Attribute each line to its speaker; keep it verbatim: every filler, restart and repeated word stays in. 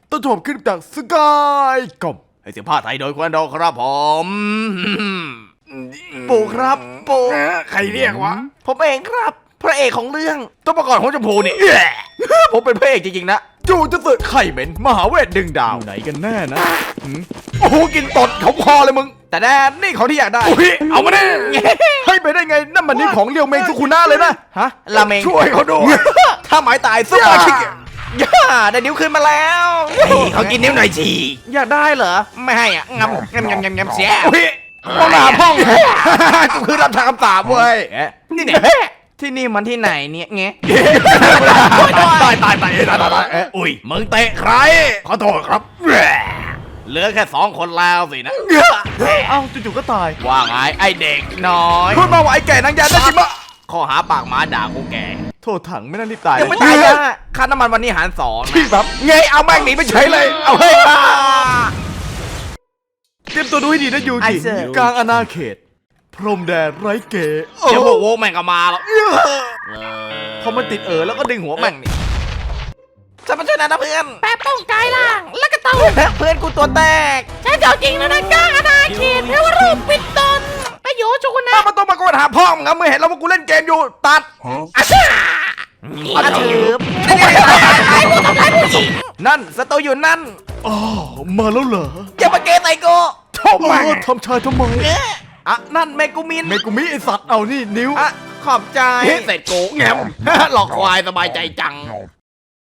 Speaker 1: ต้นฉบับคลิปจากสกายกอมให้เสียงภาคไทยโดยควันดอครับผมปู่ครับปู่ใครเรียกวะผมเองครับพระเอกของเรื่องต้นประกอบของชมพูนี่ ผมเป็นพระเอกจริงๆนะจูจะเสิร์ฟไข่เหม็นมหาเวทดึงดาวไหนกันแน่นะโอ้โหกินตดเขาคอเลยมึงแต่แน่นี่ของที่อยากได้เอามาดิให้ไปได้ไงนั่นมันนี่ของเรียวเมงสุคุนะเลยนะฮะลาเมงช่วยเขาด้วยถ้าหมายตายซุปเปอร์คิกย่าได้นิ้วขึ้นมาแล้วเขากินนิ้วหน่อยจีอยากได้เหรอไม่ให้อ่ะงำงำงำงำงำเสียห้องน้ำห้องก็คือรับทางคำสาบเว้ยนี่เนี่ยที่นี่มันที่ไหนเนี่ยเงี้ยตายตายตายตายตายตายอุ้ยมึงเตะใครขอโทษครับเหลือแค่สองคนแล้วสินะเอ้าจู่ๆก็ตายว่าไงไอเด็กน้อยพูดมาว่าไอแก่นางยาได้จริงปะข้อหาปากหมาด่ากูแก่โทษถังไม่น่ารีบตายยังไม่ตายนะค่าน้ำมันวันนี้หารสองพี่แบบเงยเอาแม่งหนีไปเฉยเลยเอาเฮ้ยเตรียมตัวดูให้ดีนะยูกิกลางอาณาเขตพรมแดนไร้เก๋เดี๋ยวพวกโว้แม่งก็มาแล้วพอมันติดเออแล้วก็ดึงหัวแม่งนี่จะมาช่วยนะนะเพื่อนแป๊บต้องกายล่างแล้วก็ต้องเพื่อนกูตัวแตกใช่เจ้าจริงแล้วนะกลางอาณาเขตเทวรูปปิดตนประโยชน์ชุกนะมาต้องมาโกนหาพ่อมึงครับเมื่อเห็นแล้วว่ากูเล่นเกมอยู่ตัดอาชีพอาชีพนั่นสตูอยู่นั่นอ๋อมาแล้วเหรออย่ามาเกยใส่กูทำไมทำชายทำไมอ่ะนั่นเมกุมินเมกุมิไอสัตว์เอานี่นิ้วอ่ะขอบใจเสร็จโกงแงมหลอกควายสบายใจจัง